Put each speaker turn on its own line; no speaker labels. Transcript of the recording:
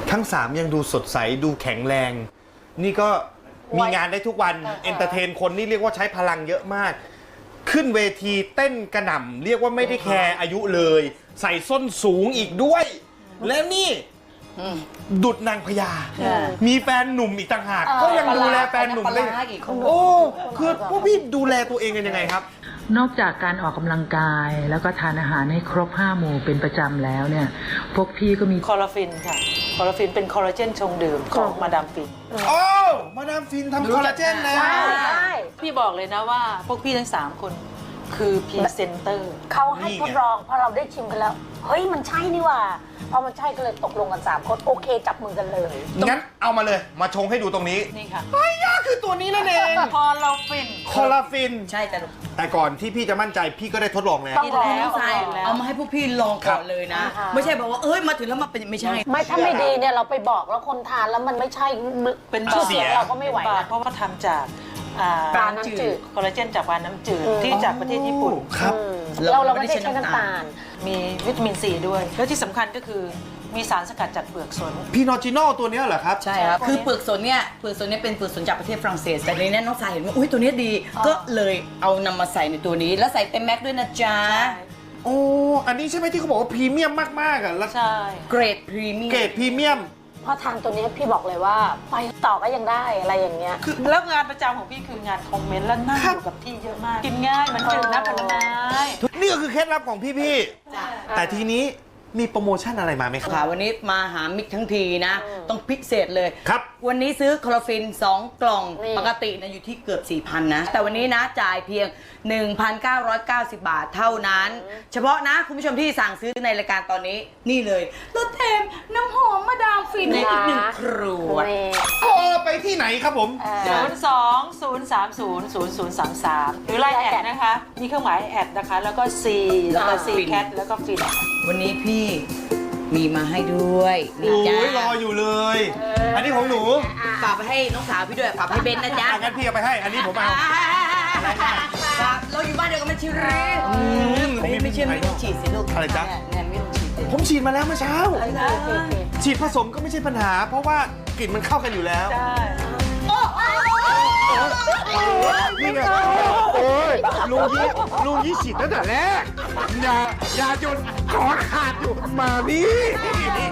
ทั้ง3ยังดูสดใสดูแข็งแรง นี่ก็มีงานได้ทุกวันเอนเตอร์เทนคนนี่เรียกว่าใช้พลังเยอะมาก ขึ้นเวทีเต้นกระหน่ำเรียกว่าไม่ได้แคร์อายุเลย ใส่ส้นสูงอีกด้วย แล้วนี่ดุดนางพญามีแฟนหนุ่มอีกต่างหากก็ยังดูแลแฟนหนุ่มได้โอ้คือพวกพี่ดูแลตัวเองกันยังไงครับ
นอกจากการออกกำลังกายแล้วก็ทานอาหารให้ครบ5 หมู่เป็นประจำแล้วเนี่ยพวกพี่ก็มี
คอลลาฟินค่ะคอลลาฟินเป็นคอลลาเจนชงดื่มของมาดามฟิน
โอ้มาดามฟินทำคอลลาเจนนะ
ใช่
พี่บอกเลยนะว่าพวกพี่ทั้ง3คนคือพรีเซนเตอร์
เขาให้ทดลองพอเราได้ชิมกันแล้ว เฮ้ยมันใช่นี่หว่าพอมันใช่ก็เลยตกลงกัน3 คนโอเคจับมือกันเลย
งั้นเอามาเลยมาชงให้ดูตรงนี้
นี่ค่ะ
ไอ้ยาคือตัวนี้นั่นเอง
คอลลาฟิน
คอลลาฟิน
ใช่แต่
แต่ก่อนที่พี่จะมั่นใจพี่ก็ได้ทดลองแล้ว
ต้องลอง
แล้ว
ใช่เอามาให้พวกพี่ลองก่อนเลยนะ
ครับ
ไม่ใช่บอกว่าเอ้ยมาถึงแล้วมาเป็นไม่ใช่
ไม่ถ้าไม่ดีเนี่ยเราไปบอกแล้วคนทานแล้วมันไม่ใช่เป็นชื่อเสียงเราก็ไม่ไหว
บาท
นะ
เพราะว่าทำจาก
ปลาน้ำจืด
คอลลาเจนจากปลาน้ำจืดที่จากประเทศญี่ปุ่น
ครับ
เราไม่ได้ใช้น้ำตาล
มีวิตามินซีด้วย แล้วที่สำคัญก็คือมีสารสกัดจากเปลือกสน
พี่นอจิโน่ตัวเนี้ยเหรอครับ
ใช่ครับ คือเปลือกสนเนี่ยเปลือกสนเนี่ยเป็นเปลือกสนจากประเทศฝรั่งเศส แต่ในนี้น้องสายเห็นว่าอุ้ยตัวนี้ดี ก็เลยเอานำมาใส่ในตัวนี้ แล้วใส่เต็มแม็กซ์ด้วยนะจ๊ะ
โอ้ อันนี้ใช่ไหมที่เขาบอกว่าพรีเมียมมากๆอ่ะแล้ว
ใช่
เกรดพรีเมียม
เกรดพรีเมียม
พอทานตัวนี้พี่บอกเลยว่าไปต่อก็ยังได้อะไรอย่างเงี้ย
แล้วงานประจำของพี่คืองานคอมเมนต์และนั่งอยู่กับที่เยอะมาก กินง่ายมันจืดนะผลไม้
นี่ก็คือเคล็ดลับของพี่ๆ แต่ทีนี้มีโปรโมชั่นอะไรมาไหมครับ
ค่ะวันนี้มาหามิกทั้งทีนะ ต้องพิเศษเลย
ครับ
วันนี้ซื้อคลอโรฟิน 2 กล่อง
นี่
ปกตินะอยู่ที่เกือบ 4,000 นะ แต่วันนี้นะจ่ายเพียง 1,990 บาทเท่านั้น เฉพาะนะคุณผู้ชมที่สั่งซื้อในรายการตอนนี้นี่เลยรถแถมน้ำหอมมาดามฟินในอีก1 ขวด
นี่
โอ้ไปที่ไหนครับผม
02-030-0033 หรือไลน์แอดนะคะ มีเครื่องหมายแอดนะคะ แล้วก็ C แล้วก็ C cat แล้วก็ฟิน
วันนี้พี่มีมาให้ด้วยนี่
โอ้
จ้าย
รออยู่เลย อันนี้ของหนู
ฝากไปให้น้องสาวพี่ด้วยฝากให้เบนนะจ๊ะ
งั้นพี่เอาไปให้ อันนี้ผมเอา
ครับเราอยู่บ้านเดียวกันไม่ชิริไม่เชื่อไม่ต้องฉีดสิลูก
อะไรจ๊ะ
แนนไม่ต้องฉีดสิ
ผมฉีดมาแล้วเมื่อเช้า ฉีดผสมก็ไม่ใช่ปัญหา เพราะว่ากลิ่นมันเข้ากันอยู่แล้ว
ใช่
นี่ไงโอ้ยลุงยี่ฉีดตั้งแต่แรก อย่าหยุดขอขาดอยู่มานี่